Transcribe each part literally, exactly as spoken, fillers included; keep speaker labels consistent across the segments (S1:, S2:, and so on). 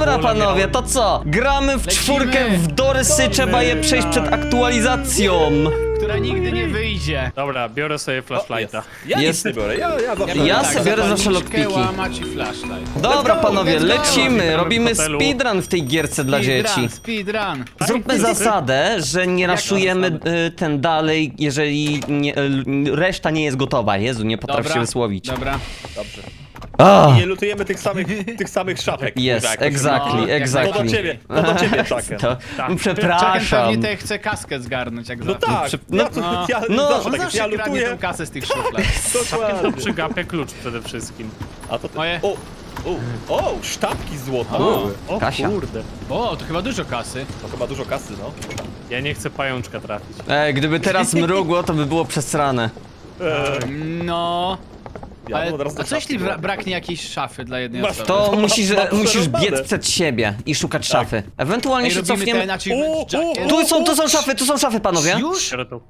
S1: Dobra panowie, to co? Gramy w
S2: Lecimy.
S1: czwórkę w Dorysy, trzeba je przejść przed aktualizacją.
S2: Która nigdy nie wyjdzie.
S3: Dobra, biorę sobie flashlighta.
S4: Ja
S1: Jest-
S4: nic nie biorę, ja, ja zawsze...
S1: Ja
S2: tak,
S1: sobie biorę zawsze
S2: zapalniczkę,
S1: lockpiki.
S2: łamać i flashlight.
S1: Dobra
S4: Let's go,
S1: panowie,
S2: let's go.
S1: lecimy,
S3: Witamy w
S1: robimy
S3: hotelu.
S1: speedrun w tej gierce dla dzieci.
S2: Speedrun, speedrun.
S1: Zróbmy zasadę, że nie raszujemy y, ten dalej, jeżeli nie, y, reszta nie jest gotowa. Jezu, nie potrafię
S2: Dobra,
S1: się wysłowić.
S2: Dobra.
S4: Dobrze.
S1: Ah,
S4: Nie lutujemy tych samych, tych samych szafek.
S1: Yes,
S4: kurwa, jakoś.
S1: exactly,
S2: No, jak
S1: exactly.
S4: To do ciebie, to do ciebie, Chucken.
S1: To,
S3: Tak.
S2: Chucken
S1: przepraszam.
S2: pewnie te chce kaskę zgarnąć, jak
S4: No
S2: zawsze.
S4: tak,
S1: Przy-
S4: ja,
S1: no,
S4: tu,
S2: no.
S4: ja
S1: No,
S4: zawsze
S2: On
S4: tak,
S2: zawsze
S4: ja
S2: kradnie
S4: lutuję.
S2: tą kasę z tych szuflad.
S3: To
S4: Dokładnie.
S3: przygapia klucz przede wszystkim.
S4: A to ty...
S2: Moje.
S4: O, o, o, sztabki złota.
S2: O.
S3: O
S1: Kasia.
S3: kurde.
S2: O, to chyba dużo kasy.
S4: To chyba dużo kasy, no.
S3: Ja nie chcę pajączka trafić.
S1: Ej, gdyby teraz mrugło, to by było przesrane.
S2: No.
S4: Ja
S2: Ale,
S4: bym od razu
S2: a
S4: do
S2: co jeśli
S4: szafki
S2: bra
S4: włożył.
S2: braknie jakiejś szafy dla jednej
S4: Masz
S2: osoby?
S1: To
S4: Ma-
S1: musisz,
S4: ma
S1: musisz
S4: przerąbane.
S1: biec przed siebie i szukać szafy. Ewentualnie
S2: Ej,
S1: się
S2: robimy
S1: cofniemy.
S2: ten achievement
S4: O, o,
S2: jacket?
S1: Tu są, tu są szafy, tu są szafy, panowie.
S2: Już?
S3: Biorę tu.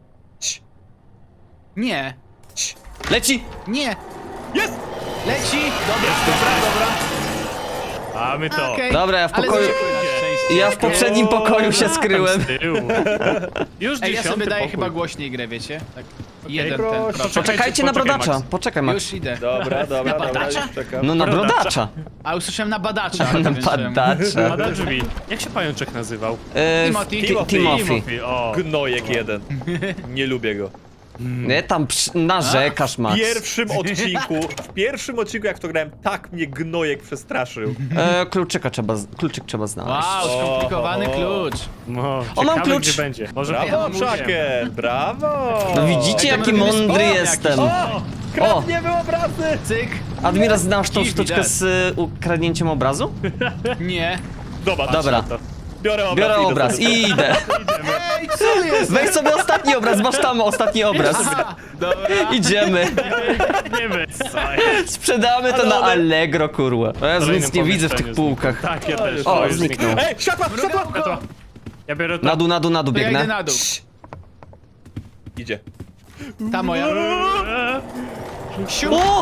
S2: Nie.
S1: Leci!
S4: Jest!
S2: Nie. Leci. Dobra, dobra, dobra.
S3: Mamy to.
S2: Okej.
S1: Dobra, ja w
S2: Ale
S1: pokoju-
S2: zwykły na szczęście.
S1: Ja w poprzednim pokoju się skryłem.
S3: Tam z tyłu. Już
S2: Ej, ja
S3: dziesiąty
S2: sobie daję
S3: pokój.
S2: chyba głośniej grę, wiecie? Tak. Jeden
S4: proszę.
S2: ten. Proszę.
S1: Poczekajcie na
S3: Poczekaj,
S1: brodacza.
S3: Max.
S1: Poczekaj, Max.
S2: Już idę.
S4: Dobra, dobra, dobra,
S2: badacza?
S4: już czekam.
S1: No na
S3: Brodacza.
S1: brodacza.
S2: A usłyszałem na badacza.
S1: Na
S2: nie wiem czemu.
S1: badacza.
S3: Pada drzwi. Jak się pajączek nazywał?
S1: E,
S2: Timothy.
S1: Ti- Timothy.
S3: Timothy, o.
S4: Gnojek jeden. Nie lubię go.
S1: Nie, tam przy- narzekasz,
S4: W
S1: Max.
S4: pierwszym odcinku, w pierwszym odcinku jak to grałem, tak mnie gnojek przestraszył.
S1: E, kluczyka trzeba, z- kluczyk trzeba znaleźć.
S2: Wow, skomplikowany
S4: O, o, o.
S2: klucz.
S3: No,
S1: O, mam
S3: ciekawe,
S1: klucz.
S3: gdzie będzie. Może
S4: Brawo,
S3: ja mówiłem.
S4: Chucken, brawo!
S1: No widzicie,
S2: Ej, to
S1: jaki
S2: my robimy
S1: mądry
S2: spam
S1: jestem.
S2: jakiś.
S4: O! Kradniemy obrazy!
S2: Cyk.
S1: Admiral, znasz tą
S2: Dziwi,
S1: sztuczkę
S2: tak.
S1: z y, ukradnięciem obrazu?
S2: Nie.
S4: Dobra,
S1: Dobra.
S3: To.
S4: biorę obraz.
S1: Biorę
S4: idę
S1: obraz
S4: sobie.
S1: i idę.
S2: Ej, co jest?
S1: Weź sobie ostatni obraz, masz tam ostatni obraz.
S2: A, dobra.
S1: Idziemy.
S3: Nie wiem, co jest.
S1: Sprzedamy to
S4: Ale
S1: na
S4: one-
S1: Allegro, kurwa. Ja
S3: W kolejnym
S1: nic nie widzę w tych
S3: pomieszczeniu
S1: półkach.
S3: zniknął. Tak, ja też.
S1: O,
S3: O, już
S1: zniknął.
S3: zniknął.
S4: Ej, światła, światła!
S2: Mrugełko.
S3: Ja biorę to.
S1: Na dół, na dół, na dół
S2: To ja idę
S1: biegnę.
S2: na dół.
S4: Idzie.
S2: Ta moja. Siu.
S1: O!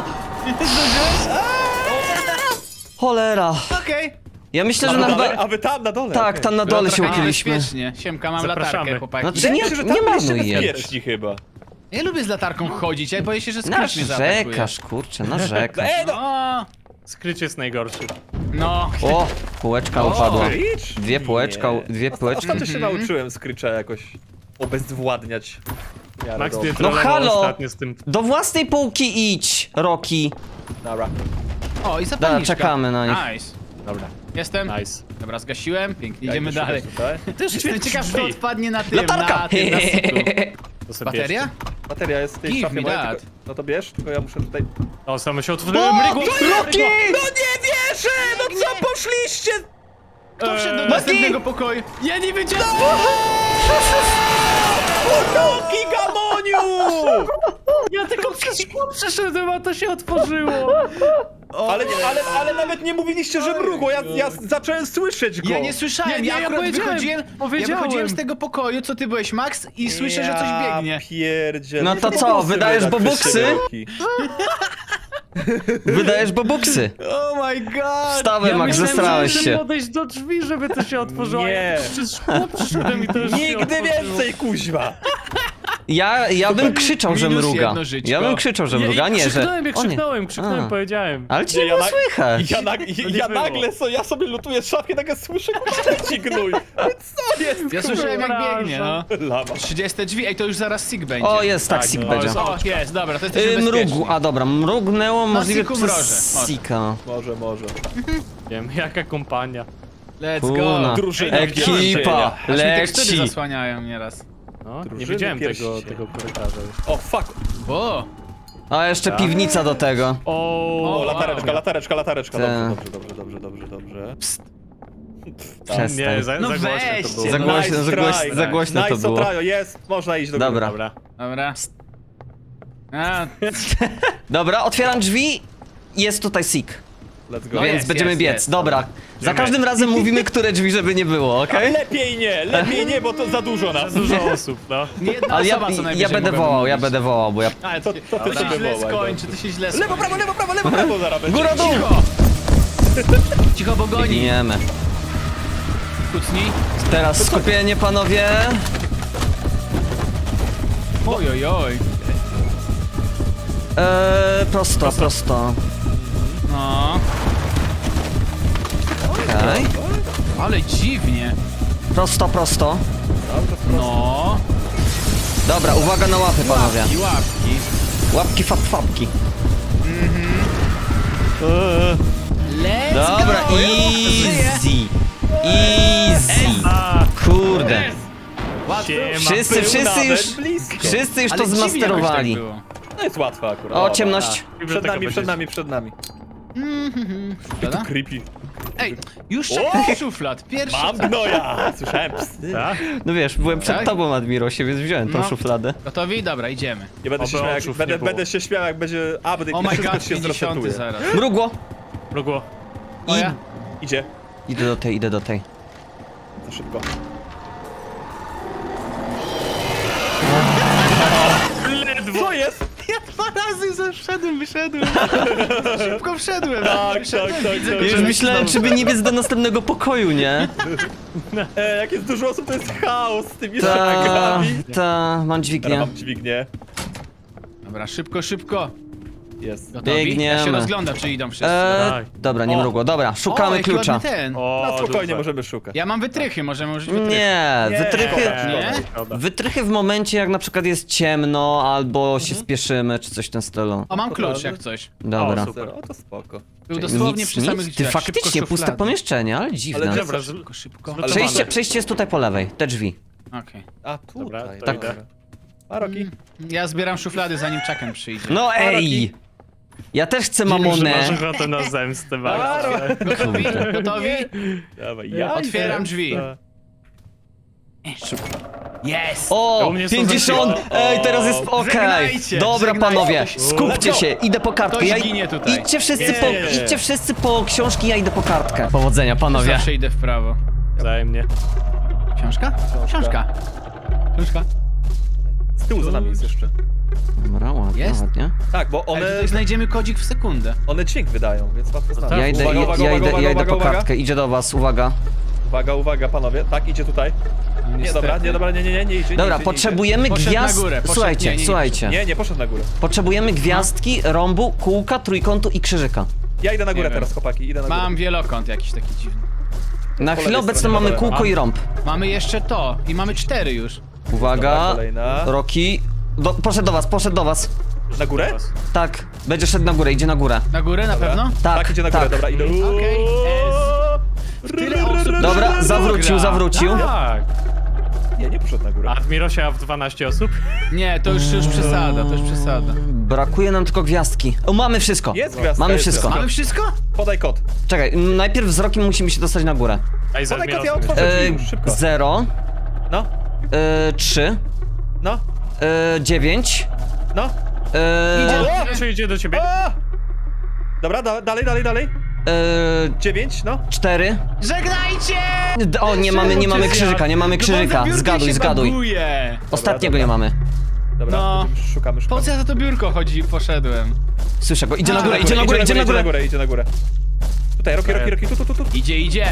S1: Cholera.
S2: Okej.
S1: Ja myślę,
S4: A
S1: że
S4: wy,
S1: na chyba...
S4: dalej, a wy tam, na dole.
S1: Tak,
S4: okej.
S1: tam na
S2: Było
S1: dole się
S2: trochę
S1: ukryliśmy.
S2: niebezpiecznie. Siemka, mam
S3: Zapraszamy.
S2: latarkę, chłopaki.
S1: Znaczy
S4: Wydaje
S1: nie,
S4: mi się, że
S1: nie
S4: tam byliście
S1: marnuj jej.
S4: bezpieczni chyba.
S2: Ja lubię z latarką chodzić, ja boję się, że skrypt mnie zaatakuje.
S1: Narzekasz, kurczę, narzekasz.
S4: Ej, no!
S2: O,
S3: Skryć jest najgorszy.
S2: no.
S1: O, półeczka upadła.
S4: Screech?
S1: Dwie półeczka,
S4: Nie.
S1: dwie
S4: Osta-
S1: półeczki.
S4: Ostatnio się nauczyłem Screecha jakoś obezwładniać. w miarę
S3: Max
S4: dobrze.
S3: mnie trollował
S1: halo!
S3: ostatnio z tym.
S1: Do własnej półki idź, Rocky.
S4: Dobra.
S2: O, i zapalniczka.
S1: czekamy na nich.
S2: Nice.
S3: Dobra,
S2: Jestem.
S3: nice.
S2: Dobra, zgasiłem. Pięknie,
S4: Ja
S2: idziemy
S4: idę
S2: dalej.
S4: szukać tutaj.
S3: Też
S2: Jestem ciekaw, kto
S3: drzwi.
S2: odpadnie na tym,
S1: Latarka!
S2: na tym, na syku.
S3: To sobie
S2: Bateria?
S3: bierzcie.
S4: Bateria jest w tej
S2: Give
S4: szafie
S2: me
S4: mojej,
S2: that.
S4: tylko, no to bierz, tylko ja muszę tutaj...
S3: O, same się otworzyły.
S1: O,
S3: Mrygło,
S1: Rocky!
S4: No nie wierzę! No co poszliście?
S2: Kto wszedł do
S3: Eee,
S2: następnego pokoju? Ja nie wiedziałem!
S4: Rocky Gamoniu!
S3: Ja tylko przez szkło przeszedłem, a to się otworzyło.
S4: Ale, nie, ale, ale nawet nie mówiliście, że mrugło, ja, ja zacząłem słyszeć go.
S2: Ja nie słyszałem,
S3: Nie, nie,
S2: ja
S3: ja
S2: akurat
S3: powiedziałem,
S2: wychodziłem, ja
S3: powiedziałem.
S2: wychodziłem z tego pokoju, co ty byłeś, Max, i słyszę, że coś biegnie.
S4: Ja pierdzielę.
S1: No to
S4: Nie
S1: co,
S4: bobuksy
S1: wydajesz
S4: wydać przez
S1: bobuksy?
S4: siebie, Rocky.
S1: Wydajesz bobuksy.
S2: Oh my god!
S1: Wstawaj,
S3: Ja
S1: Max,
S3: myślałem,
S1: zestrałeś
S3: że muszę
S1: się.
S3: podejść do drzwi, żeby to się otworzyło. a
S4: Nie.
S3: ja przez szkło przyszedłem i to już się
S4: Nigdy
S3: otworzyło.
S4: więcej, kuźwa!
S1: Ja, ja bym krzyczał, że
S2: Minus
S1: mruga.
S2: jedno żyćko.
S1: Ja bym krzyczał, że
S3: Ja,
S1: mruga,
S3: ja
S1: nie, że...
S3: krzyknąłem, ja
S1: O nie.
S3: krzyknąłem, krzyknąłem,
S1: A.
S3: powiedziałem.
S1: Ale cię
S4: Nie,
S1: nie
S4: ja
S1: było
S4: na-
S1: słychać.
S4: Ja, nag
S3: nie
S4: ja
S3: było.
S4: nagle, so, ja sobie lutuję szafkę, nagle słyszę, kurczę, ci gnój. Co jest,
S2: Ja słyszałem jak biegnie, no.
S4: Lama.
S2: trzydzieste drzwi, ej, to już zaraz sig będzie.
S1: O, jest tak,
S3: Tak,
S1: sik
S3: no,
S1: będzie.
S3: jest-
S2: O, jest, dobra, to jesteśmy
S1: Y,
S2: bezpieczni.
S1: mrugu, a dobra, mrugnęło możliwe
S2: siku
S1: przez
S2: mroże, może.
S1: sika.
S4: Może, może.
S3: Wiem, jaka kompania.
S2: Let's
S1: Kuna.
S2: go.
S4: Drużyna
S1: Ekipa,
S2: Aż mi tekstury
S1: leci.
S2: zasłaniają nieraz.
S3: No, nie
S4: Drużyny
S3: widziałem tego,
S4: pierścienia.
S3: tego korytarza już.
S4: O, fuck.
S2: O,
S1: A jeszcze piwnica do tego.
S3: O,
S4: O, latareczka, latareczka, latareczka.
S1: Tak.
S4: Dobrze, dobrze, dobrze, dobrze, dobrze, dobrze.
S1: Przestań.
S3: Nie, za,
S2: No
S3: za głośno to
S2: weźcie,
S3: było.
S1: Za
S2: no.
S1: głośno, za
S4: Nice
S1: głośno,
S4: try.
S1: za głośno to
S4: Nice
S1: było.
S4: otrajo, jest, można iść do góry.
S1: Dobra.
S3: Dobra.
S2: dobra. A,
S1: Dobra, otwieram drzwi. Jest tutaj sik.
S4: Let's go.
S2: No
S1: Więc
S2: jest,
S1: będziemy
S2: jest,
S1: biec.
S2: jest.
S1: Dobra. Za
S3: Idziemy.
S1: każdym razem mówimy, które drzwi, żeby nie było, okej?
S4: Lepiej nie, lepiej nie, bo to za dużo nas.
S3: Dużo osób, no.
S2: nie jedna
S1: Ale ja,
S2: osoba co
S1: ja
S2: najwyżej
S1: będę
S2: mogłaby
S1: wołał, ja
S2: mówić.
S1: będę wołał, bo ja...
S2: Ale
S4: To-
S2: to,
S4: to ty
S2: to
S4: sobie
S2: się źle
S4: wołaj,
S2: skończy, to się źle skończy.
S4: Lewo, prawo, lewo, prawo, lewo, prawo zaraz będzie.
S1: Góra dół!
S2: Cicho! Cicho, bo goni.
S1: Biegniemy.
S2: kucnij.
S1: Teraz skupienie, panowie.
S2: Oj, oj, oj.
S1: Eee, prosto, prosto.
S2: No,
S1: Okej.
S2: ale dziwnie.
S1: Prosto, prosto.
S2: No.
S1: Dobra, uwaga na łapy, panowie.
S2: I łapki.
S1: Łapki, fap, fapki.
S2: Let's
S1: Dobra,
S2: go! Żyję.
S1: easy. Easy.
S3: A,
S1: Kurde.
S2: Łatwo.
S3: siema.
S1: Wszyscy,
S4: Był
S1: wszyscy
S4: nawet
S1: już,
S4: blisko.
S1: wszyscy już
S2: Ale
S1: to
S2: dziwnie jakoś
S1: zmasterowali.
S2: tak było.
S4: No jest łatwo akurat.
S1: O, ciemność.
S4: Przed nami, przed nami, przed nami.
S2: Dobra.
S4: Creepy.
S2: Ej, już czekaj szuflad. Pierwszy.
S4: Mam gnoja! Słyszałem psy.
S3: Tak?
S1: No wiesz, byłem przed
S2: Tak?
S1: tobą, Admirosie, więc wziąłem tą
S2: No.
S1: szufladę.
S2: Gotowi? Dobra, idziemy.
S4: Nie będę się
S3: Oby
S4: śmiał, jak,
S3: oczów
S4: będę,
S3: nie było.
S4: będę się śmiał, jak będzie update
S2: Oh
S4: i
S2: my
S4: wszystko
S2: god,
S4: się
S2: pięćdziesiąty
S4: zresetuje.
S2: zaraz.
S1: Mrugło.
S3: Mrugło.
S2: O ja?
S4: Idzie.
S1: Idę do tej, idę do tej.
S4: Za szybko.
S3: Ledwo.
S4: Co jest?
S2: Ja dwa razy zeszedłem, wyszedłem. Szybko wszedłem.
S4: Tak,
S2: wyszedłem,
S4: tak, tak,
S2: widzę,
S4: tak.
S2: że
S1: Już
S2: leci
S1: myślałem,
S2: znowu.
S1: czy by nie biec do następnego pokoju, nie?
S4: E, jak jest dużo osób, to jest chaos z tymi
S1: Ta,
S4: szagami.
S1: ta, mam
S4: Teraz
S1: dźwignię.
S4: mam dźwignię.
S2: Dobra, szybko, szybko.
S4: Jest.
S2: Gotowi? Ja
S1: Biegniemy.
S2: się rozglądam, czy idą wszyscy.
S1: Eee,
S3: Tak.
S1: dobra, nie
S4: O.
S1: mrugło. Dobra,
S2: O,
S1: szukamy
S2: jaki
S1: klucza.
S2: ładny ten.
S3: O,
S4: No spokojnie,
S3: duże.
S4: możemy szukać.
S2: Ja mam wytrychy, możemy użyć wytrychy.
S1: Nie,
S4: Nie,
S1: wytrychy...
S4: szkoda,
S2: Nie?
S3: Szkoda.
S1: Wytrychy w momencie, jak na przykład jest ciemno, albo się spieszymy, czy coś w tym stylu.
S2: O, mam
S4: To
S2: klucz
S4: prawda.
S2: jak coś.
S1: Dobra.
S3: O, super.
S4: O, to spoko.
S2: Był dosłownie
S1: Nic,
S2: przy samych
S1: nic. Ty
S2: drzwiach.
S1: faktycznie,
S2: Szybko
S1: puste
S2: szuflady.
S1: pomieszczenie, ale dziwne.
S4: Ale
S3: Dobra, z...
S2: Szybko, szybko.
S3: Zlutowane.
S1: Przejście, przejście jest tutaj po lewej, te drzwi.
S2: Okej.
S4: A, tutaj.
S3: Dobra, to
S1: Tak.
S3: idę.
S4: A, Roki?
S2: Ja zbieram szuflady, zanim Chucken przyjdzie.
S1: No
S4: Rocky.
S1: ej! Ja też chcę
S3: Dziwi, że
S1: mamonę.
S3: masz ochotę na zemstę,
S4: A,
S3: bardzo.
S4: Ro-
S2: Gotowi? Gotowi?
S4: Dawaj, ja
S2: Otwieram
S4: idę.
S2: drzwi.
S3: U
S2: Jest!
S1: O,
S3: mnie są
S1: pięćdziesiąt!
S3: zamknięte.
S1: Ej, teraz jest okej.
S2: Żegnajcie,
S1: Dobra,
S2: żegnajcie.
S1: panowie, skupcie się, idę po kartkę.
S2: Ktoś
S1: Ja,
S2: ginie tutaj.
S1: idźcie wszyscy
S4: Nie,
S1: po,
S4: nie, nie, nie.
S1: idźcie wszyscy po książki, ja idę po kartkę. Powodzenia, panowie.
S2: Zawsze idę w prawo.
S3: Wzajemnie.
S2: Książka? Książka. Książka.
S4: Z tyłu za nami jest jeszcze.
S1: Dobra, ładnie,
S2: Jest?
S1: ładnie.
S4: Tak, bo
S2: Ale
S4: one,
S2: tutaj znajdziemy kodzik w sekundę.
S4: one dźwięk wydają, więc łatwo znaleźć.
S1: Ja idę,
S4: Uwaga,
S1: ja,
S4: uwaga,
S1: ja
S4: uwaga,
S1: idę, ja idę
S4: uwaga,
S1: po
S4: uwaga.
S1: kartkę, idzie do was, uwaga.
S4: Uwaga, uwaga, panowie. Tak, idzie tutaj. Nie,
S2: Niestety.
S4: dobra, nie, dobra, nie, nie, nie, nie idzie, nie
S1: Dobra,
S4: idzie,
S1: potrzebujemy
S2: Poszedł na
S1: gwiazd...
S2: górę, poszedł-
S1: Słuchajcie,
S2: nie, nie, nie
S1: słuchajcie.
S4: Nie, nie, nie, poszedł na górę.
S1: Potrzebujemy gwiazdki, rąbu, kółka, trójkątu i krzyżyka.
S4: Ja idę na górę
S2: wiem.
S4: teraz, chłopaki, idę na górę.
S2: Mam wielokąt jakiś taki dziwny.
S1: Na
S4: Po
S1: chwilę
S4: lewej
S1: obecną
S4: stronie,
S1: mamy
S4: dobra.
S1: kółko i rąb.
S2: Mamy jeszcze to i mamy cztery już.
S4: Dobra,
S1: Uwaga,
S4: kolejna.
S1: Roki. Do, poszedł do was, poszedł do was.
S4: Na górę?
S1: Tak, będzie szedł na górę, idzie na górę.
S2: Na górę na
S4: Dobra.
S2: pewno?
S1: Tak,
S4: Tak, idzie na górę,
S1: tak.
S4: dobra, idę.
S2: Okej, Tyle osób.
S1: Dobra, zawrócił,
S2: Gra.
S1: zawrócił.
S3: Tak.
S4: Nie, nie poszedł na górę.
S3: A Admirosia w dwanaście osób?
S2: Nie, to już, już przesada, to już przesada.
S1: Brakuje nam tylko gwiazdki. O, mamy wszystko.
S4: Jest gwiazdka,
S1: Mamy
S4: jest
S1: wszystko.
S4: gwiazdka.
S2: Mamy wszystko?
S4: Podaj kod.
S1: Czekaj, m, najpierw wzrokiem musimy się dostać na górę.
S3: Ej, z
S4: Podaj kod, ja
S3: Admirosem
S4: otworzę
S3: jeszcze.
S1: E,
S4: drzwi już, szybko.
S1: zero,
S4: No,
S1: e, trzy,
S4: no,
S1: e, dziewięć,
S4: no.
S1: e,
S4: O!
S3: Admirosia idzie do ciebie.
S4: A! Dobra, da, dalej, dalej, dalej.
S1: e,
S4: Dziewięć, no.
S1: cztery.
S2: Żegnajcie!
S1: D- O, nie mamy, nie mamy krzyżyka, nie mamy krzyżyka. Zgaduj, zgaduj. Ostatniego
S2: Dobra.
S1: nie mamy.
S4: Dobra,
S2: No.
S4: będziemy- szukamy,
S2: Po
S4: szukamy.
S2: co ja za to biurko chodzi, poszedłem?
S1: Słyszę go, idzie na
S2: A,
S1: górę, idzie na górę, idzie na
S4: Idzie na
S1: górę.
S4: górę, idzie na górę. Tutaj, Roki, Roki, Roki, tu, tu, tu, tu.
S2: Idzie, idzie!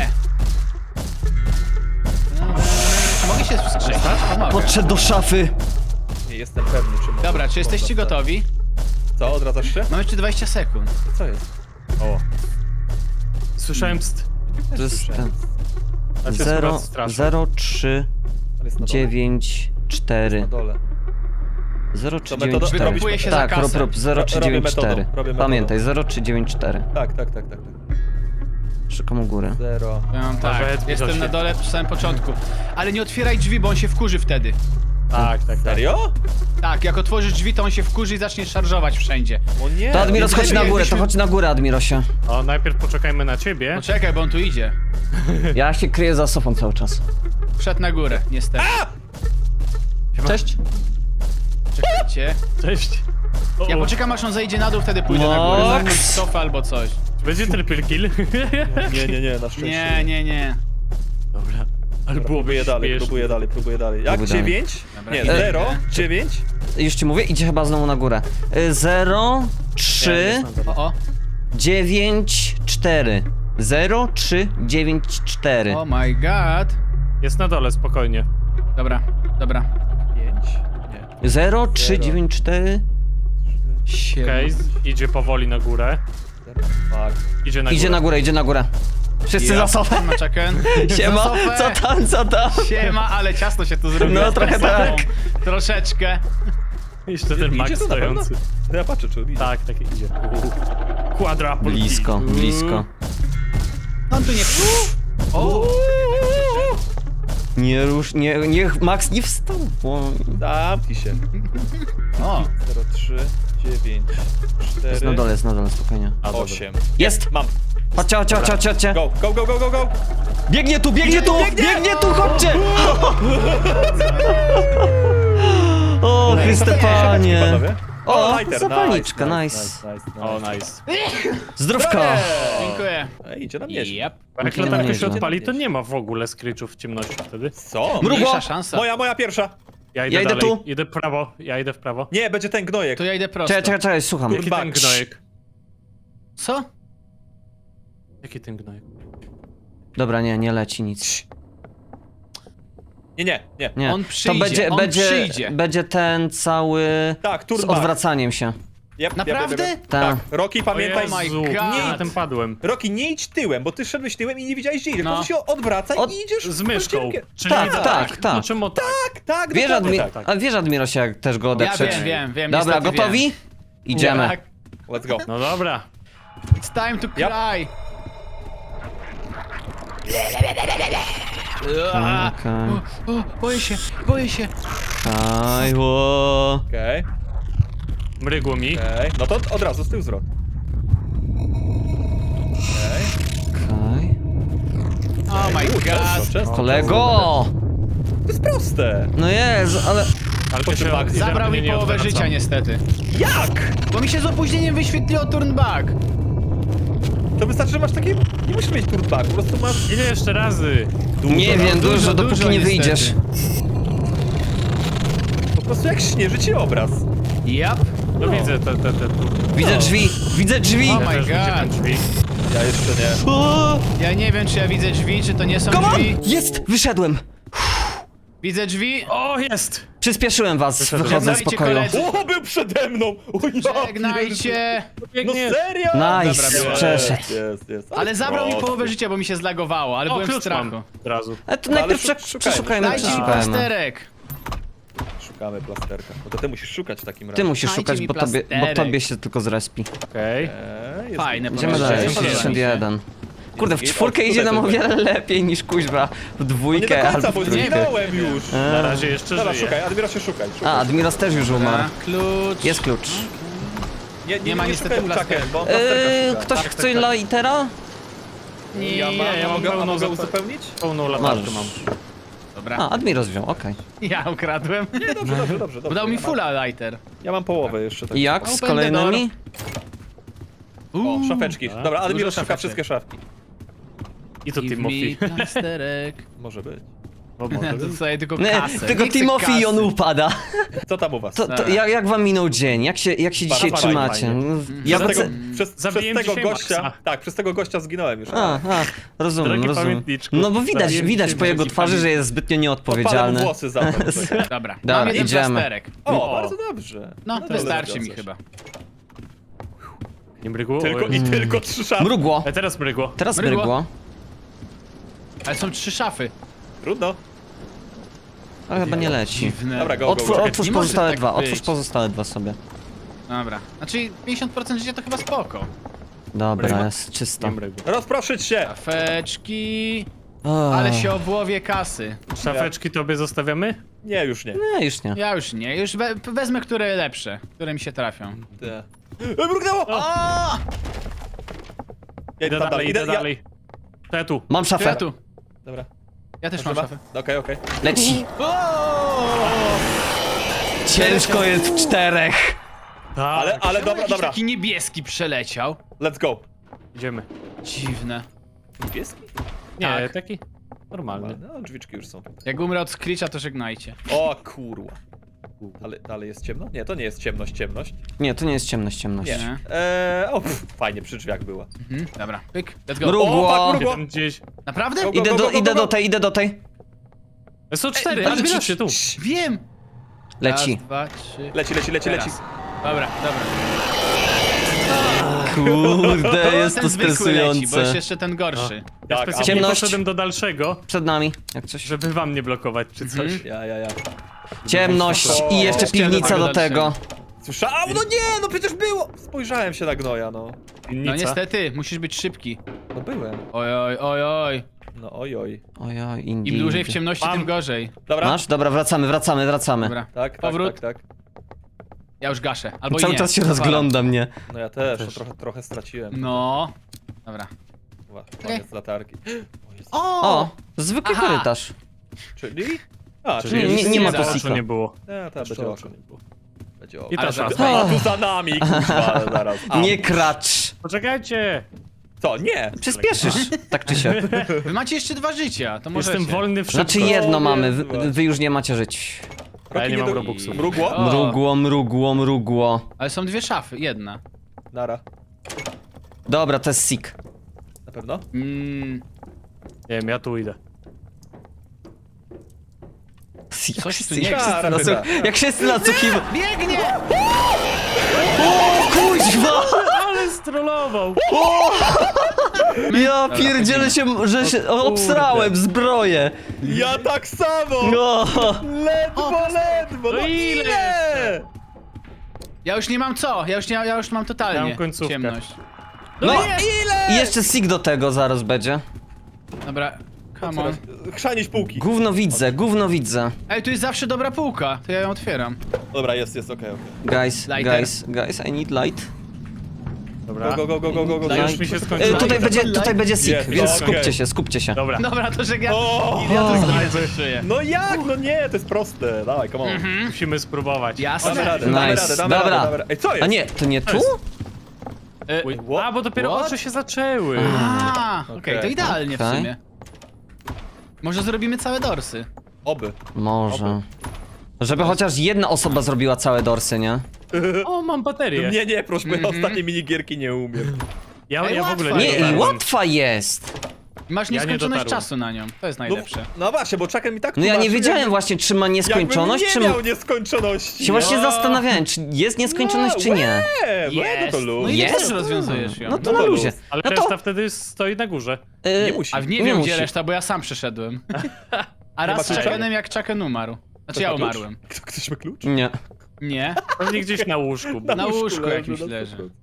S2: Czy mogę się wskrzesić? Pomogę.
S1: Podszedł do szafy.
S4: Nie jestem pewny, czy mogę.
S2: Dobra, czy jesteście
S4: można-
S2: gotowi?
S4: Co, odradzasz się?
S2: Mam jeszcze dwadzieścia sekund.
S4: Co jest?
S3: O. Słyszałem pst.
S1: To jest ten.
S3: A się
S1: zero,
S3: akurat straszy.
S1: zero, trzy,
S4: On jest na dole.
S1: dziewięć, cztery.
S4: Na dole.
S1: zero, trzy,
S4: To
S1: dziewięć,
S4: metoda-
S1: cztery.
S2: Wykupuje się za
S1: Tak,
S2: kasę.
S1: rób, rób, zero, trzy,
S4: Robię
S1: dziewięć,
S4: metodą,
S1: cztery.
S4: robię metodą.
S1: Pamiętaj, zero, trzy, dziewięć, cztery.
S4: Tak, tak, tak, tak. tak.
S1: Szukam u góry.
S4: Zero.
S2: Ja mam tak,
S3: Nawet
S2: jestem
S3: Mirosie.
S2: na dole przy samym początku. Ale nie otwieraj drzwi, bo on się wkurzy wtedy.
S3: Tak, tak, tak.
S4: Serio?
S2: Tak, jak otworzysz drzwi, to on się wkurzy i zacznie szarżować wszędzie.
S4: O nie.
S1: To Admiros,
S2: Więc
S1: chodź na
S2: lepiej
S1: górę, to
S2: jakbyśmy-
S1: chodź na górę, Admirosie.
S3: O, najpierw poczekajmy na ciebie.
S2: Poczekaj, bo on tu idzie.
S1: Ja się kryję za sofą cały czas.
S2: Wszedł na górę, niestety.
S1: Cześć.
S2: Czekajcie.
S3: Cześć. O,
S2: Ja
S3: o.
S2: poczekam, aż on zejdzie na dół, wtedy pójdę na górę.
S1: Max.
S2: Za jakąś sofę albo coś.
S3: Będzie triple kill.
S4: Nie, nie, nie, na szczęście.
S2: Nie, nie, nie.
S3: Dobra. Ale byłoby
S4: Próbuję dalej,
S3: śmiesznie.
S4: próbuję dalej, próbuję dalej. Jak?
S1: Próbuj dalej.
S4: Dziewięć?
S2: Dobra,
S4: Nie,
S2: idę.
S4: zero, dziewięć.
S1: Już ci mówię, idzie chyba znowu na górę. Y, zero,
S3: Nie,
S1: trzy,
S3: jest na dole.
S2: O, o.
S1: dziewięć, cztery. zero trzy dziewięć cztery.
S3: Oh my god.
S2: Jest na dole, spokojnie.
S3: Dobra, dobra.
S4: Pięć? Nie.
S1: zero trzy dziewięć cztery.
S3: Siema.
S2: Okej, okay, idzie powoli na górę.
S4: Zero, fuck.
S2: Idzie na
S1: Idzie
S2: górę.
S1: na górę, idzie na górę. Wszyscy za sofę.
S3: Siema, Chucken.
S1: Siema,
S3: Za sofę.
S1: co tam, co tam?
S3: Siema, ale ciasno się tu zrobiło.
S1: No,
S3: z
S1: trochę
S3: tą
S1: tak.
S3: sofą. Troszeczkę.
S2: Jeszcze ten Max
S4: Idzie to na pewno?
S2: stojący.
S4: Ja patrzę, czy idzie.
S2: Tak, tak idzie. Quadruple
S1: Blisko,
S2: kill.
S1: blisko.
S3: On tu nie... O!
S1: Nie rusz, nie, niech Max nie wstał. Bo...
S4: Zamknij się.
S3: O!
S4: zero, trzy, dziewięć,
S1: Jest
S4: cztery,
S1: na dole, jest na dole, spokojnie.
S2: A, dobra.
S4: osiem.
S1: Jest!
S4: Mam.
S1: Chodźcie, chodźcie, chodźcie, chodźcie, chodźcie.
S4: Go, go, go, go, go, go.
S1: Biegnie tu, biegnie tu, biegnie tu, chodźcie! O, Chryste Panie.
S4: Panowie.
S1: O,
S4: lighter,
S1: zapalniczka, nice.
S4: nice, nice, nice.
S2: O, nice.
S1: Zdrówko.
S3: Dziękuję.
S4: Ej, idzie na mnie.
S3: Yep.
S2: A jak
S1: Nie,
S2: latarka
S1: nie,
S2: się
S1: nie.
S2: odpali, to nie ma w ogóle screechów w ciemności wtedy.
S4: Co?
S1: Mrugło.
S3: Mniejsza szansa.
S4: Moja, moja pierwsza.
S2: Ja idę,
S1: Ja idę
S2: dalej.
S1: tu.
S2: Idę w prawo, ja idę w prawo.
S4: Nie, będzie ten gnojek.
S3: To ja idę prosto.
S1: Czekaj, czekaj, czekaj, słucham.
S2: Jaki
S4: Kurwa,
S2: ten gnojek?
S3: Co?
S2: Jaki ten gnojek?
S1: Dobra, nie, nie leci nic.
S4: Nie, nie, nie.
S1: Nie.
S3: On
S1: to
S3: przyjdzie,
S1: będzie,
S3: on
S1: będzie,
S3: przyjdzie.
S1: będzie ten cały
S4: Tak,
S1: z
S4: turbo.
S1: odwracaniem się.
S4: Yep,
S3: Naprawdę?
S4: Yep, yep, yep.
S1: Tak.
S4: Tak. Rocky, pamiętaj.
S3: Oh my
S2: Jezu,
S3: God.
S2: nie, na tym padłem.
S4: Rocky, nie idź tyłem, bo ty szedłeś tyłem i nie widziałeś gdzie idziesz.
S3: No.
S4: No. się odwraca
S1: Od-
S4: i idziesz
S2: Z myszką.
S4: rozdzielkę.
S2: Czyli
S1: Tak,
S2: tak,
S1: tak, tak.
S2: No czemu tak?
S4: Tak, tak,
S1: Wiesz,
S4: dokładnie
S1: admi
S4: tak.
S1: a wiesz Admirosie, jak też go
S3: Ja
S1: odeprzeć?
S3: wiem, wiem, wiem.
S1: Dobra,
S3: niestety
S1: gotowi?
S3: Wiem.
S1: Idziemy.
S3: Tak.
S4: Let's go.
S2: No dobra.
S3: It's time to cry. Ua.
S1: Okej.
S3: O, o, boję się, boję się.
S1: Aj, ło.
S4: Okej,
S2: Mrygło mi.
S4: okej. No to od razu z tyłu zwrot. Okej.
S1: Okej.
S3: Oh my
S4: Często,
S3: god.
S4: często.
S1: Kolego!
S4: To jest proste.
S1: No jest, ale...
S2: Ale to się
S4: Turn back.
S3: Zabrał
S2: idealnie
S3: mi
S2: nie
S3: połowę
S2: odwraca.
S3: życia niestety.
S4: Jak?
S3: Bo mi się z opóźnieniem wyświetliło turn back.
S4: To wystarczy, że masz takie... Nie musisz mieć turbaku, po prostu masz...
S2: Ile jeszcze razy?
S1: Nie wiem, dużo,
S3: dużo,
S1: dopóki
S3: dużo
S1: nie
S3: niestety.
S1: wyjdziesz.
S4: Po prostu jak śnieży ci obraz.
S3: Yep.
S2: No widzę te, te, te tu.
S1: Widzę drzwi, widzę drzwi!
S3: Oh
S2: Ja
S3: my
S2: też widzę
S3: God.
S2: te drzwi.
S4: Ja jeszcze nie.
S1: O,
S3: Ja nie wiem, czy ja widzę drzwi, czy to nie są
S1: come on!
S3: drzwi.
S1: Jest! Wyszedłem!
S3: Widzę drzwi.
S2: O, jest!
S1: Przyspieszyłem was,
S2: Wyszedłem.
S1: wychodzę z
S3: Żegnajcie,
S1: pokoju.
S3: koledzy.
S4: O, był przede mną! O, ja pierdzielę.
S3: Żegnajcie.
S4: No
S2: Biegnie.
S4: serio?
S1: Nice,
S3: Dobra,
S1: przeszedł.
S4: Jest, jest.
S3: Ale zabrał mi
S4: prosty.
S3: połowę życia, bo mi się zlagowało, ale
S2: O,
S3: byłem w
S2: klucz mam
S3: strachu.
S2: od razu.
S1: A to
S4: No,
S1: najpierw
S4: ale
S1: prze-
S4: szukajmy,
S1: przeszukajmy,
S3: Dajcie mi
S1: przeszukajmy.
S3: plasterek.
S4: Szukamy plasterka. No to ty musisz szukać w takim razie.
S1: Ty musisz
S3: Dajcie
S1: szukać,
S3: mi
S1: bo tobie, bo
S3: plasterek.
S1: tobie się tylko zrespi.
S2: Okej.
S4: Eee, jest
S3: Fajne
S4: jest-
S1: Idziemy
S3: Proszę,
S1: dalej,
S3: nie podoba mi
S1: sześćdziesiąt jeden. Kurde, w
S4: Jest-
S1: czwórkę
S4: o,
S1: idzie nam o
S4: tutaj to
S1: wiele lepiej niż kuźwa w
S4: No nie do
S1: dwójkę
S4: końca,
S1: albo
S4: bo
S1: w trójkę.
S4: zginąłem już.
S2: Na razie jeszcze
S4: Dobra,
S2: żyję.
S4: szukaj, Admira się szukaj. szukaj.
S1: A, Admiros też już umarł.
S3: Dobra, klucz.
S1: Jest klucz.
S4: Nie, nie,
S3: nie ma
S4: nie
S3: niestety
S4: szukaj
S3: plasterka.
S4: Chucken, bo on plasterka
S1: Eee,
S4: szuka.
S1: ktoś
S2: Tak,
S1: chce
S2: tak, tak.
S1: lightera?
S3: Nie,
S4: Ja mam,
S2: ja mam
S4: mogę, a
S2: pełną
S4: mogę
S2: zapa-
S4: uzupełnić?
S2: Pełną latarkę
S1: Masz.
S2: mam.
S3: Dobra.
S1: A, Admiros wziął, okej.
S3: Ja ukradłem.
S4: Nie, dobrze, dobrze, dobrze. dobrze.
S3: Dał mi
S4: Ja mam-
S3: fulla lighter.
S4: Ja mam połowę jeszcze. Tak.
S1: I jak z
S3: Open
S1: kolejnymi?
S4: O, szafeczki. Dobra, Admiro
S3: dużo
S4: szuka
S3: szafeczek.
S4: wszystkie szafki.
S2: I to
S3: Give
S2: Timothy.
S3: me plasterek.
S4: Może być.
S2: O,
S3: Ja
S2: może
S3: to
S2: być.
S3: sobie tylko
S1: Nie,
S3: kasę.
S1: tylko
S3: Nie chcę
S1: Timothy i on
S3: kasy.
S1: upada.
S4: Co tam u was?
S1: To, to, jak, jak wam minął dzień? Jak się, jak się dzisiaj
S4: Bardzo
S1: trzymacie?
S2: fajnie.
S1: No, Ja
S4: Przez tego,
S1: wracę...
S4: przez, przez
S2: Zabiłem
S4: tego
S2: dzisiaj
S4: gościa.
S2: Maxa.
S4: Tak, przez tego gościa zginąłem już.
S1: A, a, rozumiem,
S2: Drogi
S1: rozumiem.
S2: pamiętniczku,
S1: No bo widać,
S2: zabiłem
S1: widać
S2: dzisiaj
S1: po jego
S2: drogi
S1: twarzy, że
S2: pamiętniczku.
S1: jest zbytnio
S4: Odpalam
S1: nieodpowiedzialny.
S4: włosy za to.
S3: Dobra,
S1: Dobra,
S3: mam jeden
S1: idziemy.
S3: plasterek.
S4: O,
S2: O.
S4: bardzo dobrze.
S3: No,
S4: to
S3: wystarczy mi
S4: zgadzasz.
S3: chyba.
S2: Nie mrygło?
S4: Tylko,
S2: Oj.
S4: I tylko trzy szafy.
S1: Mrugło.
S2: E, teraz mrygło.
S1: Teraz
S3: Mrygło.
S1: mrygło.
S3: Ale są trzy szafy.
S4: Trudno.
S1: A chyba nie leci.
S3: Dziwne.
S4: Dobra, go, go,
S1: Otwórz,
S4: go.
S1: otwórz
S3: Nie może
S1: pozostałe
S3: tak
S1: dwa,
S3: być.
S1: otwórz pozostałe dwa sobie.
S3: Dobra. Znaczy pięćdziesiąt procent życia to chyba spoko.
S1: Dobra,
S2: Mrygło?
S1: jest czysto.
S2: Nie mrygło.
S4: Rozproszyć się.
S3: Szafeczki.
S1: O,
S3: Ale się obłowie kasy.
S2: Szafeczki tobie zostawiamy?
S4: Nie, już nie.
S1: Nie, już nie.
S3: Ja już nie, już we, wezmę które lepsze, które mi się trafią.
S4: Te. E, Mrugnęło!
S3: O!
S4: Ja
S2: Idę
S4: tam
S2: dalej, idę
S4: ja-
S2: dalej. To ja tu.
S1: Mam szafę.
S3: Ja tu.
S4: Dobra.
S3: Ja też mam
S4: Dobra.
S3: szafę.
S4: Okej, okej.
S1: Leci. Ciężko jest w czterech.
S2: Tak.
S4: Ale, ale
S3: Czemu
S4: dobra,
S3: jakiś
S4: dobra.
S3: taki niebieski przeleciał.
S4: Let's go.
S2: Idziemy.
S3: Dziwne.
S4: Niebieski?
S2: Nie,
S3: Tak.
S2: taki normalny.
S4: No, drzwiczki już są.
S3: Jak umrę od Screecha, to żegnajcie.
S4: O kurwa. Ale dalej jest ciemno? Nie, to nie jest ciemność, ciemność.
S1: Nie, to nie jest ciemność, ciemność.
S4: Nie.
S2: Nie.
S4: Eee, o, pff, fajnie, przy drzwiach była.
S2: Mhm, dobra, pyk, let's go.
S1: Mrugło.
S4: O, fuck, mrugło.
S3: Tam gdzieś...
S2: Naprawdę?
S4: Go, go,
S1: Idę
S4: go,
S1: do,
S4: go, go,
S1: idę
S4: go.
S1: do tej, idę do tej.
S3: Są cztery,
S2: Ej,
S3: ale
S2: ale
S3: zbierz się tu.
S2: Wiem!
S1: Leci.
S2: Raz, dwa, trzy.
S4: Leci, leci, leci, leci.
S2: Teraz. Dobra, dobra.
S1: Kurde, jest
S2: Ten
S1: to
S2: zwykły leci, bo jest
S1: stresujące.
S2: jeszcze ten gorszy.
S3: Ja
S4: Tak, a-
S3: specjalnie
S1: Ciemność.
S3: poszedłem do dalszego,
S1: Przed nami, jak coś.
S3: żeby wam nie blokować czy coś.
S2: Mhm.
S4: Ja, ja, ja.
S1: Ciemność i jeszcze
S2: Jeszcze
S1: piwnica
S2: do
S1: do tego.
S4: Słyszałem? No nie, no przecież było! Spojrzałem się na gnoja, no.
S2: No
S3: Winnica.
S2: niestety, musisz być szybki.
S4: No byłem.
S2: Oj, oj, oj, oj.
S4: No oj, oj.
S1: Ojoj,
S2: Im
S1: indeed.
S2: dłużej w ciemności,
S3: Mam.
S2: tym gorzej.
S4: Dobra?
S1: Masz? Dobra, wracamy, wracamy, wracamy.
S2: Dobra,
S4: Tak,
S2: powrót.
S4: tak, tak, tak.
S2: Ja już gaszę. Albo i
S1: Cały
S2: nie.
S1: czas się
S2: Odpalam.
S1: rozgląda mnie.
S4: No ja też,
S3: Też.
S4: To trochę, trochę straciłem.
S2: No. Dobra.
S4: Ła, Koniec latarki. O, jest.
S1: O, zwykły
S2: Aha.
S1: korytarz.
S4: Czyli? A,
S3: Czyli
S4: czyli...
S1: nie, nie ma
S2: za
S1: tu
S2: oczu
S1: sika.
S3: nie było.
S4: Nie, to będzie oko. Będzie oko.
S3: I
S2: Ale
S3: ta
S2: za-
S3: szafka.
S4: A tu za nami, kurwa, zaraz. A,
S1: Nie kracz.
S3: Poczekajcie!
S4: Co? Nie!
S1: Przyspieszysz, tak czy siak.
S2: Wy macie jeszcze dwa życia, to możecie.
S3: Jestem wolny w
S1: Znaczy
S3: szybko.
S1: jedno
S4: O,
S1: mamy,
S4: Jezu.
S1: wy, wy już nie macie żyć.
S3: A ja nie mam
S4: do-
S3: robuxów.
S4: Mrugło?
S2: O.
S1: Mrugło, mrugło, mrugło.
S2: Ale są dwie szafy, jedna.
S4: Nara.
S1: Dobra, to jest sik.
S4: Na pewno?
S2: Mm,
S3: Nie wiem, ja tu idę.
S1: Jak
S2: Coś
S1: się-
S2: tu nie
S1: jak się
S4: Kara
S1: nasu-
S4: chyba.
S1: Jak się nasłuchiwał.
S2: biegnie!
S1: O kuźwa!
S3: Ale strollował!
S1: Ja pierdzielę się, że się obsrałem zbroję.
S4: Ja tak samo!
S1: No.
S4: Ledwo, ledwo!
S3: No
S4: No
S3: ile
S4: ile?
S2: Ja już nie mam co, ja już, nie, ja już mam totalnie
S3: Ja mam końcówkę.
S2: ciemność.
S1: No
S4: Ile?
S1: i jeszcze sik do tego zaraz będzie.
S2: Dobra, come on.
S4: Chrzanić półki.
S1: Gówno widzę, gówno widzę.
S2: Ej, tu jest zawsze dobra półka, to ja ją otwieram.
S4: Dobra, jest, jest, okej, okej.
S1: Guys,
S2: Lighter.
S1: guys, guys, I need light.
S3: Dobra.
S4: Go, go, go, go, go, go, go.
S3: Już mi się
S1: E,
S3: skończyło.
S1: tutaj będzie, tutaj będzie sik,
S4: Jest,
S1: więc
S4: okej.
S1: skupcie się, skupcie się.
S3: Dobra.
S2: Dobra, to że ja...
S4: O!
S2: Ja to
S1: O.
S2: znajdę czuję.
S4: No jak? No nie, to jest proste. Dawaj, come on.
S3: Musimy spróbować.
S2: Jasne.
S4: Damy radę, damy
S1: Nice.
S4: radę, damy
S1: Dobra.
S4: radę, damy radę. Ej, co jest?
S1: A nie, to nie tu?
S2: E,
S3: Uj,
S4: What?
S3: A, bo dopiero
S2: What?
S3: oczy się zaczęły.
S2: A, okej,
S4: Okej.
S2: to idealnie w
S1: Okej.
S2: sumie. Może zrobimy całe dorsy.
S4: Oby.
S1: Może. Żeby chociaż jedna osoba zrobiła całe dorsy, nie?
S3: O, mam baterię.
S4: Nie, nie, proszę, bo ja
S2: Mhm.
S4: ostatnie minigierki nie umiem.
S3: Ja,
S2: Ej,
S3: ja w ogóle
S2: łatwa
S3: nie
S1: Nie,
S2: jest.
S1: i
S3: dotarłem.
S1: łatwa jest.
S2: Masz
S3: Ja nie
S2: nieskończoność
S3: dotarłem.
S2: czasu na nią, to jest
S4: No,
S2: najlepsze.
S4: no właśnie, bo Chucken mi tak
S1: No ja nie
S4: tłumaczył,
S1: wiedziałem
S4: jakby-
S1: właśnie, czy ma nieskończoność, czy...
S4: Jakbym nie miał nieskończoności.
S1: Się właśnie
S2: O.
S1: zastanawiałem, czy jest nieskończoność, czy nie.
S4: Nie, no
S2: Jest.
S4: to
S2: No
S4: luz.
S2: i
S1: Jest?
S2: też rozwiązujesz ją.
S1: No to
S4: No
S1: na
S4: to
S1: luzie.
S4: luz.
S3: Ale
S1: No
S3: reszta
S1: to...
S3: wtedy stoi na górze.
S1: y,
S4: Nie musi.
S2: A w nie,
S1: Nie
S2: wiem
S1: musi.
S2: gdzie reszta, bo ja sam przeszedłem. A raz
S4: ma
S2: z
S4: klucza?
S2: Chuckenem jak Chucken umarł. Znaczy ja
S4: Ktoś ma klucz?
S2: umarłem.
S4: Kto- Ktoś ma klucz?
S1: Nie.
S2: Nie,
S3: Pewnie gdzieś na łóżku.
S2: na łóżku jakimś
S4: no
S2: leży.
S4: to-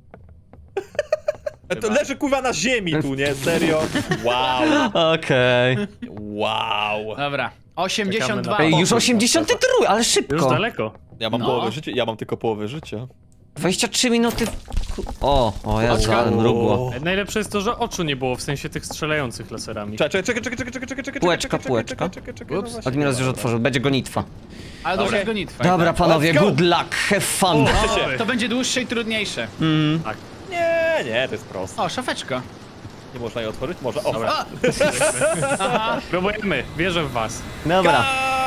S4: E, To leży kurwa na ziemi tu, nie? Serio? Wow.
S1: Okej.
S4: Wow.
S2: Dobra, osiemdziesiąt dwa.
S3: Czekamy
S1: Ej,
S3: na-
S1: już
S3: Pokój,
S1: osiemdziesiąt trzy, ale
S3: Już
S1: szybko.
S3: daleko.
S4: Ja mam
S2: No.
S4: połowę życia, ja mam tylko połowę życia.
S1: dwadzieścia trzy minuty... w- O, o Jezu,
S2: Oczka.
S1: ale mrugło.
S3: E, Najlepsze jest to, że oczu nie było, w sensie tych strzelających laserami.
S4: Czekaj, czekaj, czekaj, czekaj, czekaj, czekaj, czekaj,
S1: Półeczka,
S4: czekaj,
S1: półeczka.
S4: czekaj, czekaj, czekaj, no
S2: Ups.
S4: właśnie.
S1: Admiros już otworzył, będzie gonitwa.
S2: Ale dobrze
S4: Okej.
S2: jest gonitwa.
S1: Dobra,
S2: tak?
S1: panowie,
S4: Let's go.
S1: good luck, have fun.
S3: O,
S2: To będzie dłuższe i trudniejsze.
S3: tak.
S4: Nie, nie, to jest proste.
S2: O, szafeczka.
S4: Nie można jej otworzyć? Może. O,
S3: Dobra.
S2: A! Aha,
S3: Próbujemy, wierzę w was.
S1: Dobra,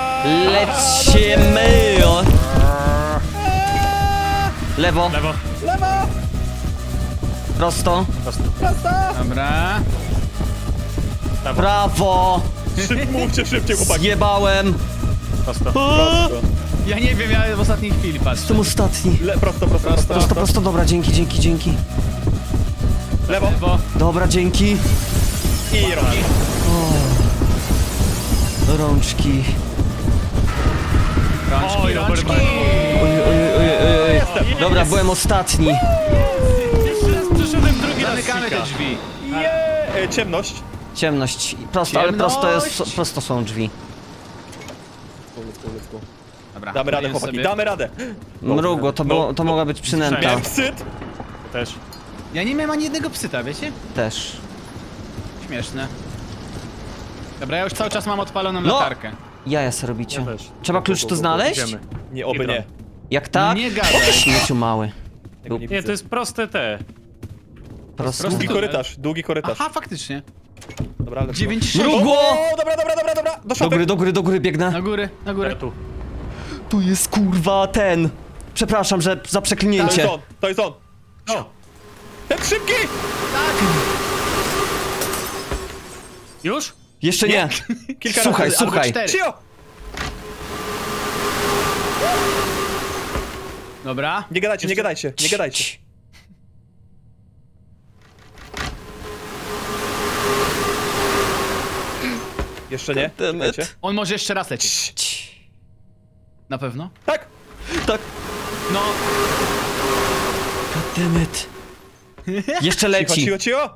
S1: lecimy. Lewo,
S3: Lewo,
S4: Lewo!
S1: prosto,
S3: prosto.
S4: Prosto!
S2: dobra.
S3: Lewo,
S1: prawo.
S4: Szyb, mówcie szybciej, chłopaki.
S1: Zjebałem.
S3: prosto.
S4: Prosto.
S2: Ja nie wiem, ja w ostatniej chwili patrzę.
S1: Jestem ostatni.
S4: Le, prosto, prosto, prosto,
S1: Prosto, prosto, dobra, dzięki, dzięki, dzięki.
S4: Lewo.
S2: Lewo.
S1: Dobra, dzięki.
S4: I rogi.
S1: Rączki.
S2: Rączki,
S3: Oj,
S2: rączki.
S3: dobry
S1: Oj, oj, oj, oj, oj.
S3: Jestem.
S1: Dobra, byłem ostatni.
S3: Jeszcze raz przyszedłem drugi raz
S2: Zamykamy
S3: sika.
S2: te drzwi.
S4: Je, e, ciemność.
S1: Ciemność. Prosto, ale prosto jest,
S2: Ciemność.
S1: prosto są drzwi.
S4: Let's go, let's go, let's go.
S2: Dobra,
S4: Damy radę,
S2: daję
S4: chłopaki,
S2: sobie.
S4: damy radę.
S1: Mrugło, to, było, to mogła być przynęta.
S4: Miałem psyt.
S3: Też.
S2: Ja nie miałem ani jednego psyta, wiecie?
S1: Też.
S2: Śmieszne. Dobra, ja już cały czas mam odpaloną
S1: No.
S2: latarkę.
S1: Jaja se robicie.
S3: Ja też.
S1: Trzeba klucz tu znaleźć?
S3: Idziemy.
S4: Nie, oby nie.
S1: Jak tak?
S2: Nie gadaj.
S1: Śmieciu mały.
S4: Tego nie
S3: Nie,
S4: widzę.
S3: to jest proste te.
S1: Prosto.
S4: Długi
S2: to-
S4: korytarz, długi korytarz.
S2: Aha, faktycznie.
S4: Dobra, ale...
S2: dziewięć sześć.
S1: Mrugło!
S4: O, dobra, dobra, dobra, dobra. Do
S1: Do
S4: szopy.
S1: góry, do góry, do góry biegnę.
S2: Na górę, na górę.
S3: Ja tu.
S1: Tu jest kurwa ten. Przepraszam, że za
S4: To jest
S1: przeklinięcie.
S4: on, to jest on.
S3: O,
S4: Ten szybki!
S3: już?
S1: Jeszcze nie.
S4: Kilka
S1: Słuchaj,
S4: razy.
S1: słuchaj.
S2: cztery.
S4: Cio!
S2: Dobra.
S4: Nie gadajcie, nie gadajcie, nie gadajcie.
S1: Cii.
S4: Jeszcze nie.
S1: Goddammit.
S4: Czekajcie.
S2: On może jeszcze raz lecieć.
S1: Cii.
S2: Na pewno?
S4: Tak!
S1: Tak.
S2: No.
S1: Goddammit. Jeszcze
S4: Cicho,
S1: leci.
S4: cicho, cicho!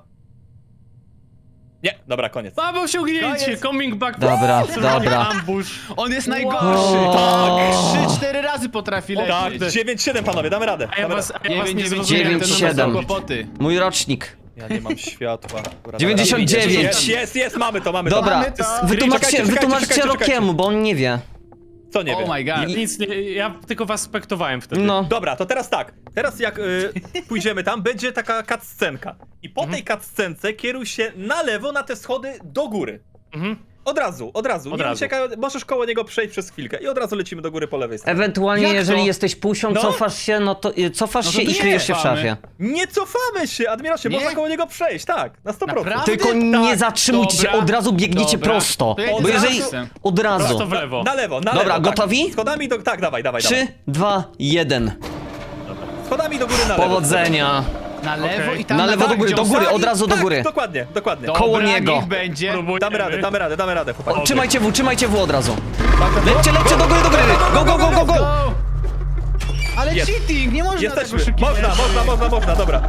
S4: Nie, dobra, koniec.
S3: Mamy osiągnięcie,
S4: Koniec.
S3: coming back.
S1: Dobra,
S3: Zrobienie
S1: dobra.
S3: ambush.
S2: On jest
S3: Wow.
S2: najgorszy.
S1: O.
S2: Tak. Trzy, cztery razy potrafi
S4: Tak,
S2: lecieć.
S4: dziewięć siedem panowie, damy radę.
S3: A ja
S4: Damy
S3: was,
S4: radę.
S3: a ja was nie
S2: dziewięć,
S3: zrozumiałem.
S1: dziewięć,
S3: ten
S1: siedem.
S3: numer.
S2: Kłopoty.
S1: Mój rocznik.
S4: Ja nie mam światła. Dobra,
S1: dziewięćdziesiąt
S4: dobra,
S1: dziewięć.
S4: Jest, jest, jest, mamy to, mamy to.
S1: Dobra,
S2: Mamy to.
S1: wytłumaczcie,
S4: Czekajcie, czekajcie,
S1: wytłumaczcie
S4: czekajcie, czekajcie.
S1: Rokiemu, bo on nie wie.
S4: Co nie
S2: Oh
S4: wiem.
S2: my god.
S3: Nic nie, ja tylko was spektowałem wtedy.
S1: No.
S4: Dobra, to teraz tak. Teraz jak y, pójdziemy tam, będzie taka cutscenka. I po tej cutscence kieruj się na lewo na te schody do góry.
S3: Mhm.
S4: Od razu, od razu.
S3: Od
S4: nie
S3: razu.
S4: uciekaj, możesz koło niego przejść przez chwilkę i od razu lecimy do góry po lewej stronie.
S1: Ewentualnie,
S2: Jak
S1: jeżeli
S2: to?
S1: jesteś pusią,
S4: No.
S1: cofasz się, no to y, cofasz
S2: No to
S1: się i
S2: nie,
S1: kryjesz się w
S2: cofamy.
S1: szafie.
S4: Nie cofamy się, Admirasie,
S2: Nie?
S4: można koło niego przejść, tak, na sto procent.
S2: Naprawdę?
S1: Tylko nie
S4: tak,
S1: zatrzymujcie się,
S2: dobra,
S1: od razu biegniecie
S2: dobra.
S1: prosto.
S2: To ja
S1: Bo
S2: idę
S1: jeżeli...
S2: za Maxem.
S1: Od razu.
S3: Prosto w lewo.
S4: Na lewo, na
S1: Dobra,
S4: lewo.
S1: gotowi?
S4: Tak. Schodami do... Tak, dawaj, dawaj,
S1: Trzy,
S4: dawaj.
S1: dwa, jeden.
S4: Schodami do góry na lewo.
S1: Powodzenia.
S2: Na lewo
S3: Okej.
S2: i tam
S1: Na lewo do
S2: tak,
S1: góry,
S2: gdzie
S1: do
S2: on
S1: góry,
S2: stoi.
S1: od razu do
S4: Tak,
S1: góry.
S4: dokładnie, dokładnie.
S2: Dobra,
S1: koło niego.
S2: niech będzie.
S3: Próbujemy.
S4: Damy radę, damy radę, damy radę, chłopaki.
S1: Trzymajcie W, trzymajcie W od razu.
S4: Tak, tak,
S1: Lećcie,
S4: go,
S1: lećcie do góry, do góry. Go, go, go, go, go.
S2: Go! Ale
S4: Jest.
S2: cheating, nie można
S4: Jesteśmy,
S2: tego szybkiego.
S4: można, można, można, można, dobra.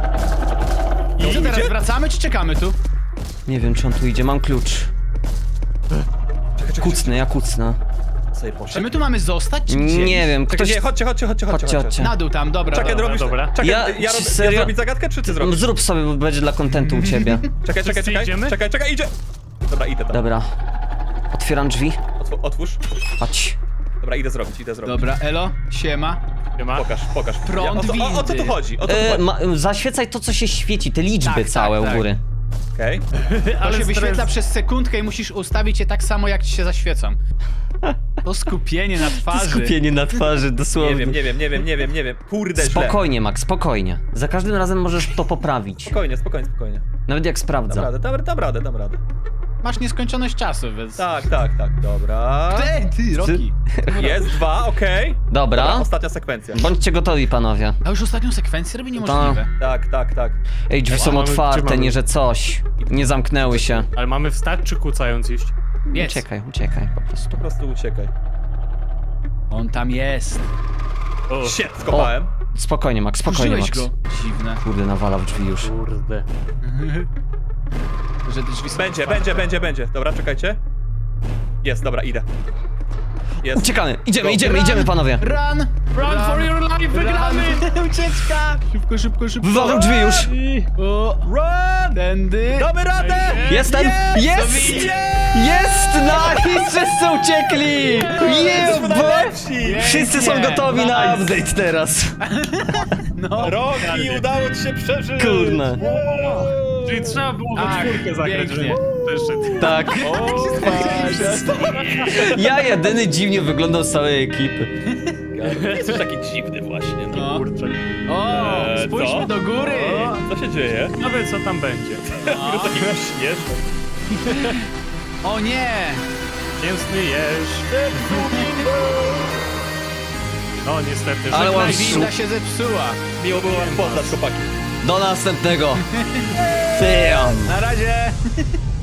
S2: I co teraz,
S4: Idzie?
S2: wracamy czy czekamy tu?
S1: Nie wiem, czy on tu idzie, mam klucz.
S4: Czekaj, czekaj,
S1: Kucnę, ja kucnę.
S4: sobie
S2: Czy
S4: poszedł.
S2: my tu mamy zostać, czy gdzie?
S1: Nie wiem,
S4: Czekaj,
S1: ktoś...
S4: nie, chodźcie, chodźcie, chodźcie, chodźcie.
S1: Chodźcie, chodźcie.
S2: Na dół tam, dobra,
S4: Czekaj,
S2: dobra.
S4: robisz...
S3: dobra.
S4: Czekaj,
S1: Ja-
S4: ja, rob,
S1: serio?
S4: ja zrobić zagadkę, czy ty zrobisz?
S1: Zrób sobie, bo będzie dla kontentu u ciebie.
S4: Czekaj, czekaj,
S3: Wszyscy
S4: czekaj,
S3: idziemy?
S4: czekaj, czekaj, idzie! Dobra, idę tam.
S1: Dobra. Otwieram drzwi.
S4: Otw otwórz.
S1: Chodź.
S4: Dobra, idę zrobić, idę zrobić.
S2: Dobra, elo, siema.
S3: Ma?
S4: Pokaż, pokaż.
S2: Prąd
S4: o, co, o, o co tu
S2: windy.
S4: chodzi? O co tu
S1: E,
S4: chodzi?
S1: ma, zaświecaj to, co się świeci, te liczby
S2: Tak, tak,
S1: całe
S2: tak.
S1: u góry.
S4: Okej.
S2: To
S3: Ale
S2: się
S3: stres-
S2: wyświetla przez sekundkę i musisz ustawić je tak samo, jak ci się zaświecą. To skupienie na twarzy.
S1: Skupienie na twarzy, dosłownie.
S4: Nie wiem, nie wiem, nie wiem, nie wiem, nie wiem. Kurde, źle.
S1: Spokojnie, Max, spokojnie. Za każdym razem możesz to poprawić.
S4: Spokojnie, spokojnie, spokojnie.
S1: Nawet jak
S4: Dam
S1: sprawdza.
S4: radę, dam, dam radę, dam radę.
S2: Masz nieskończoność czasu, więc...
S4: Tak, tak, tak, dobra.
S2: Ej, ty, Roki.
S4: Jest dwa, okej.
S1: Dobra.
S4: Ostatnia sekwencja.
S1: Bądźcie gotowi, panowie.
S2: A już ostatnią sekwencję robi niemożliwe.
S4: Tak, tak, tak.
S1: Ej, drzwi są
S3: mamy-
S1: otwarte,
S3: trzymamy.
S1: nie że coś. Nie zamknęły się.
S3: Ale mamy wstać czy kucając iść?
S2: Jest.
S1: Uciekaj, uciekaj po prostu.
S4: Po prostu uciekaj.
S2: On tam jest.
S3: O,
S4: Shit, skopałem.
S1: Spokojnie, Max, spokojnie,
S2: Użyłeś
S1: Max.
S2: go. Dziwne.
S1: Kurde, nawala w drzwi już.
S3: kurde.
S2: Że te drzwi są
S4: Będzie,
S2: otwarte.
S4: będzie, będzie, będzie. Dobra, czekajcie. Jest, dobra, idę. Jest.
S1: Uciekamy, idziemy,
S4: Go.
S1: idziemy,
S2: Run.
S1: idziemy, panowie.
S2: Run!
S3: Run for your life, wygramy!
S2: Ucieczka! Szybko, szybko, szybko.
S1: Wywalam drzwi już.
S2: O,
S4: Run!
S2: tędy.
S4: Damy radę!
S1: Jestem! Jest!
S4: Jest!
S1: Jest! Nice! Wszyscy uciekli!
S4: Jesteśmy
S1: Yeah, boy!
S4: najlepsi!
S1: Wszyscy są
S2: Pięknie.
S1: gotowi na
S2: Nice.
S1: update teraz.
S2: No.
S4: Roki, udało ci się przeżyć!
S1: Kurna.
S4: Wow.
S3: Czyli trzeba było we
S2: Tak,
S3: czwórkę zagrać,
S2: pięknie.
S3: żeby wyszedł.
S1: Tak.
S4: O,
S1: Ja jedyny dziwnie wyglądał z całej ekipy.
S4: Nie jesteś taki dziwny właśnie. No.
S2: No.
S3: Kurczę.
S2: O,
S4: Eee,
S2: spójrzmy
S4: co?
S2: do góry.
S4: O, co się dzieje?
S3: Nawet co tam będzie.
S4: Jest taki śmieszny.
S2: O nie!
S3: Mięsny jeż. No niestety,
S1: Ale
S3: żegnaj.
S1: ładnie.
S2: Winda się zepsuła.
S4: Miło było was poznać, chłopaki.
S1: Do następnego. Damn.
S2: Na razie.